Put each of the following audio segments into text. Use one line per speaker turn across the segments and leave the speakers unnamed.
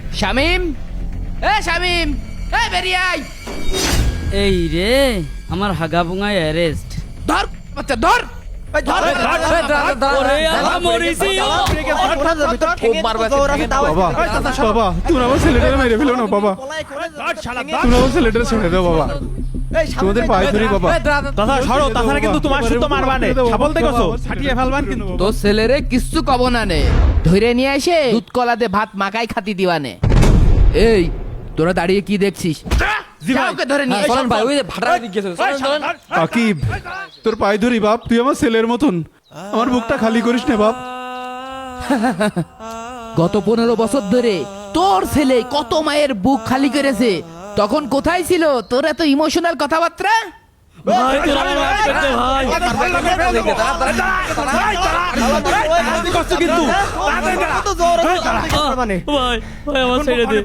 শামিম, শামিম, বেরিয়ে আয়।
এই রে আমার হাগা বুঙায় অ্যারেস্ট।
ধর বাচ্চা, ধর।
ওরে আল্লাহ মরিছি।
বাবা তুমি আমার ছেলেটারে মেরে ফেলো না বাবা, তুমি আমার ছেলেটারে ছেড়ে দাও বাবা, তোমাদের পায়ে ধরি বাবা।
দাদা সরো, তাছাড়া কিন্তু তোমার শুদ্ধ মারবানে ছাগল দেখছো ফাটিয়ে ফেলবান কিন্তু।
তোর ছেলেরে কিচ্ছু কব না নে, ধরে নিয়ে এসে দুধ কলাতে ভাত মাখাই খাতি দিবানে। এই তোরা দাঁড়িয়ে কি দেখছিস? যাওকে ধরে নিয়ে এসো।
আকিব তোর পায়ে ধরি বাপ, তুই আমার ছেলের মতন, আমার বুকটা খালি করিস না বাপ।
গত 15 বছর ধরে তোর ছেলে কত মায়ের বুক খালি করেছে, তখন কোথায় ছিল তোর এত ইমোশনাল কথাবার্তা?
ভাই তোরা আমাকে মাফ করে দে ভাই। ভাই ভাই আমার ছেড়ে দে।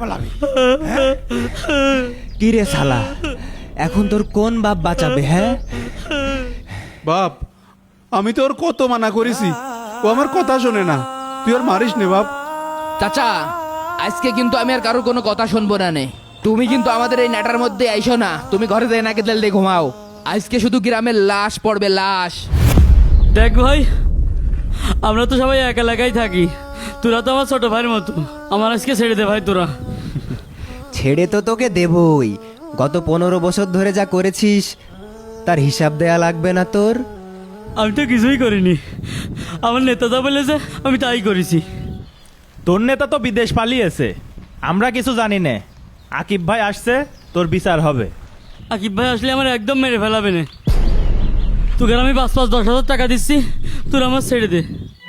কি রে শালা, এখন তোর কোন বাপ বাঁচাবে? হ্যাঁ
বাপ আমি তোর কত মানা করেছি, ও আমার কথা শোনে না, তুই আর মারিস নে বাপ।
চাচা আজকে কিন্তু আমি আর কারোর কোনো কথা শুনবো না নে। তুমি কিন্তু আমাদের এই নাটার মধ্যে আইসো না, তুমি ঘরে যাই নাকি তেল দিয়ে ঘুমাও। আজকে শুধু গ্রামের লাশ পড়বে, লাশ।
দেখ ভাই, আমরা তো সবাই এক এলাকায় থাকি, তোরা তো আমার ছোট ভাইয়ের মতো, আমার আজকে ছেড়ে দে ভাই তোরা।
ছেড়ে তো তোকে দেবই, গত 15 বছর ধরে যা করেছিস তার হিসাব দেয়া লাগবে না তোর?
আমি তো কিছুই করিনি, আমার নেতা যা বলেছে আমি তাই করেছি।
তোর নেতা তো বিদেশ পালিয়েছে, আমরা কিছু জানি না। আকিব ভাই আসছে, তোর বিচার হবে।
আকিব ভাই আসলে আমার একদম মেরে ফেলাবে না। তোকে আমি 5-10 হাজার টাকা দিচ্ছি, তোরা আমার ছেড়ে দে।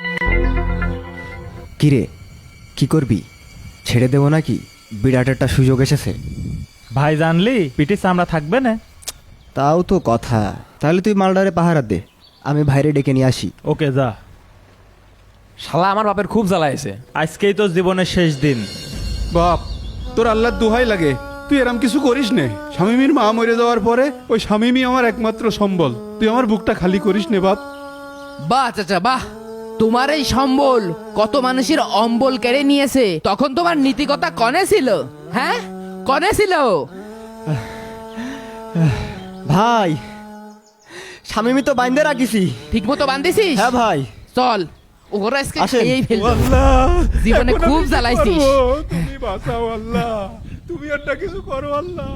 কি রে, কি করবি? ছেড়ে দেবো নাকি? বিরাট একটা সুযোগ এসেছে।
ভাই জানলি পিটি চামড়া থাকবে না।
তাও তো কথা, তাহলে তুই মালডারে পাহারা দে, আমি ভাইরে ডেকে নিয়ে আসি।
ওকে যা।
শালা আমার বাপের খুব জ্বালাইছে।
আজকেই তো জীবনের শেষ দিন।
বাপ তোর আল্লাহর দোহাই লাগে, তুই এরম কিছু করিস নে। শামিমীর মা মরে যাওয়ার পরে ওই শামিমী আমার একমাত্র সম্বল, তুই আমার বুকটা খালি করিস নে বাপ।
বাহ চাচা বাহ, তোমার এই সম্বল কত মানুষের অম্বল কেড়ে নিয়েছে, তখন তোমার নীতিকতা কনে ছিল? হ্যাঁ কনে ছিল?
ভাই স্বামী তো বাইন্দে রাখিছি।
ঠিক মতো বান্ধিছিস?
হ্যাঁ ভাই।
চল ওরা আজকে
আসেন।
খেয়েই ফেলবো।
আল্লাহ
জীবনে
এখন
খুব
আমি কি
জ্বালাইছিস।
করবো? তুমি বাঁচাও আল্লাহ, তুমি একটা কিছু করো আল্লাহ।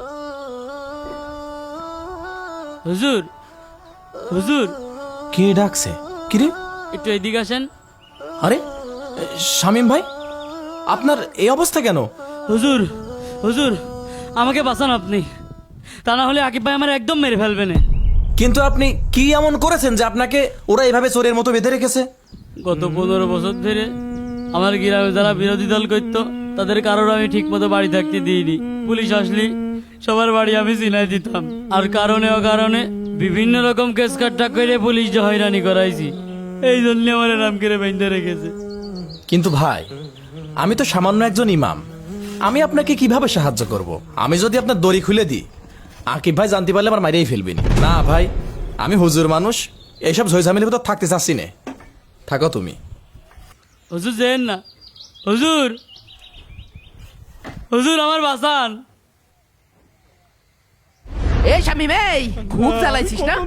হুজুর, হুজুর
কে ডাকছে? কিরে?
একটু এদিকে আসেন।
আরে শামিম ভাই, আপনার এই অবস্থা কেন?
হুজুর, হুজুর আমাকে বাঁচান আপনি, তা না হলে আকিব ভাই আমার একদম মেরে ফেলবে না।
কিন্তু আপনি কি এমন করেছেন যে আপনাকে ওরা এভাবে চোরের মতো বেঁধে রেখেছে?
গত 15 বছর ধরে আমার গ্রামে যারা বিরোধী দল করতো তাদের কারোর আমি ঠিক মতো বাড়ি থাকতে দিইনি। পুলিশ আসলি সবার বাড়ি আমি চিনাই দিতাম, আর কারণে অকারণে বিভিন্ন রকম কেস কাট্টা করে পুলিশ যে হয়রানি করাইছি, এই জন্য আমার নাম করে বেঁধে রেখেছে।
কিন্তু ভাই, আমি তো সামান্য একজন ইমাম, আমি আপনাকে কিভাবে সাহায্য করব? আমি যদি আপনার দড়ি খুলে দিই, আকিব ভাই জানতে পারলে আমার মাইরেই ফেলবেন। না ভাই, আমি হুজুর মানুষ, এইসব ঝইঝামেলির ভিতর থাকতে চাচ্ছি না। থাকো তুমি।
হুজুর যেন না, হুজুর, হুজুর আমার বাঁচান।
এই শামিম, এই খুব জ্বালাইছিস না?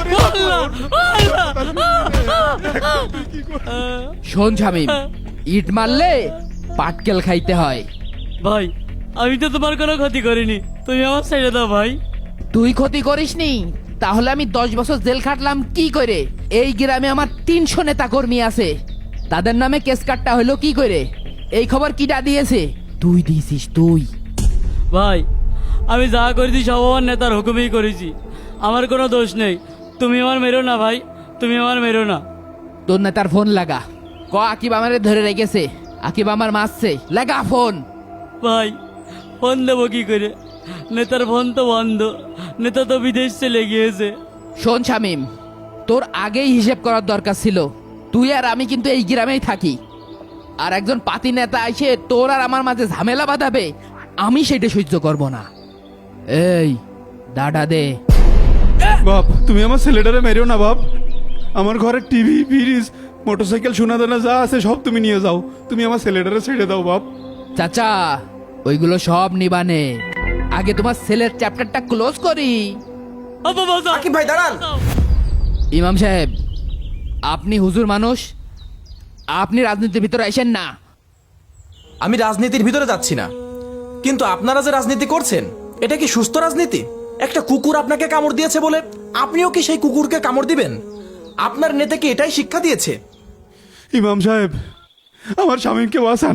শোন শামিম, ইট মারলে পাটকেল খাইতে হয়।
ভাই আমি তো তোমার কোনো ক্ষতি করিনি, তুমি আমার ছেড়ে দাও ভাই।
তুই ক্ষতি করিসনি? তাহলে আমি 10 বছর জেল খাটলাম কি করে? এই গ্রামে আমার 300 নেতা কর্মী আছে, তাদের নামে কেস কাটটা হলো কি করে? এই খবর কিটা দিয়েছে? তুই দিয়েছিস তুই।
ভাই আমি যা করেছি সব আমার নেতার হুকুমেই করেছি, আমার কোনো দোষ নেই। তুমি আমার মেরো না ভাই, তুমি আমার মেরো না।
তোর নেতার ফোন লাগা, ক আকিব আমারে ধরে রেখেছে, আকিব আমার মারছে, লাগা ফোন।
ভাই ফোন দেবো কি করে? নেতার ফোন তো বন্ধ, নেতা তো বিদেশ চলে গিয়েছে।
শোন শামিম, তোর আগেই হিসেব করার দরকার ছিল। তুই আর আমি কিন্তু এই গ্রামেই থাকি, আর একজন পাতি নেতা এসে তোর আর আমার মাঝে ঝামেলা বাঁধাবে, আমি সেটা সহ্য করব না। এই দাদা দে।
বাপ তুমি আমার ছেলেটারে মেরেও না বাপ, আমার ঘরে টিভি ফ্রিজ মোটরসাইকেল সোনা দানা যা আছে সব তুমি নিয়ে যাও, তুমি আমার ছেলেটারে ছেড়ে দাও বাপ।
চাচা ওইগুলো সব নিবানে, আগে তোমার ছেলের চ্যাপ্টারটা ক্লোজ করি।
আব্বা বাঁচাও।
আকিব ভাই দাঁড়ান।
ইমাম সাহেব, আপনি হুজুর মানুষ, আপনি রাজনীতির ভিতরে আসেন না।
আমি রাজনীতির ভিতরে যাচ্ছি না, কিন্তু আপনারা যে রাজনীতি করছেন এটা কি সুস্থ রাজনীতি? একটা কুকুর আপনাকে কামড় দিয়েছে বলে আপনিও কি সেই কুকুরকে কামড় দিবেন? আপনার নেতা কি এটাই শিক্ষা দিয়েছে?
ইমাম সাহেব, আমার স্বামীকে বাঁচান।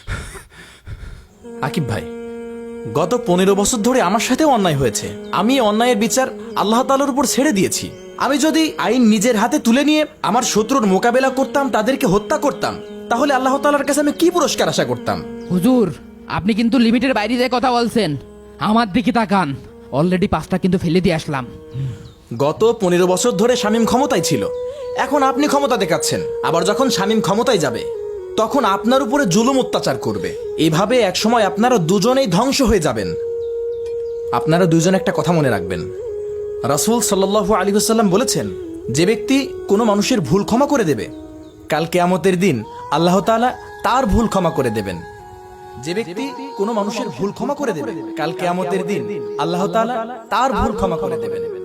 আকিব ভাই, গত 15 বছর ধরে আমার সাথেও অন্যায় হয়েছে। আমি এই অন্যায়ের বিচার আল্লাহ তাআলার উপর ছেড়ে দিয়েছি। আমি যদি আইন নিজের হাতে তুলে নিয়ে আমার শত্রুর মোকাবেলা করতাম, তাদেরকে হত্যা করতাম, তাহলে আল্লাহ তাআলার কাছে আমি কি পুরস্কার আশা করতাম?
হুজুর, আপনি কিন্তু লিমিটের বাইরে যে কথা বলছেন। আমার দিকে তাকান, অলরেডি 5টা কিন্তু ফেলে দিয়ে আসলাম।
গত 15 বছর ধরে শামীম ক্ষমতায় ছিল, এখন আপনি ক্ষমতা দেখাচ্ছেন। আবার যখন শামীম ক্ষমতায় যাবে তখন আপনার উপরে জুলুম অত্যাচার করবে। এভাবে একসময় আপনারা দুজনেই ধ্বংস হয়ে যাবেন। আপনারা দুজন একটা কথা মনে রাখবেন, রাসূল সাল্লাল্লাহু আলাইহি ওয়াসাল্লাম বলেছেন, যে ব্যক্তি কোনো মানুষের ভুল ক্ষমা করে দেবে, কাল কিয়ামতের দিন আল্লাহ তাআলা তার ভুল ক্ষমা করে দেবেন। যে ব্যক্তি কোনো মানুষের ভুল ক্ষমা করে দেবে, কাল কিয়ামতের দিন আল্লাহ তাআলা তার ভুল ক্ষমা করে দেবেন।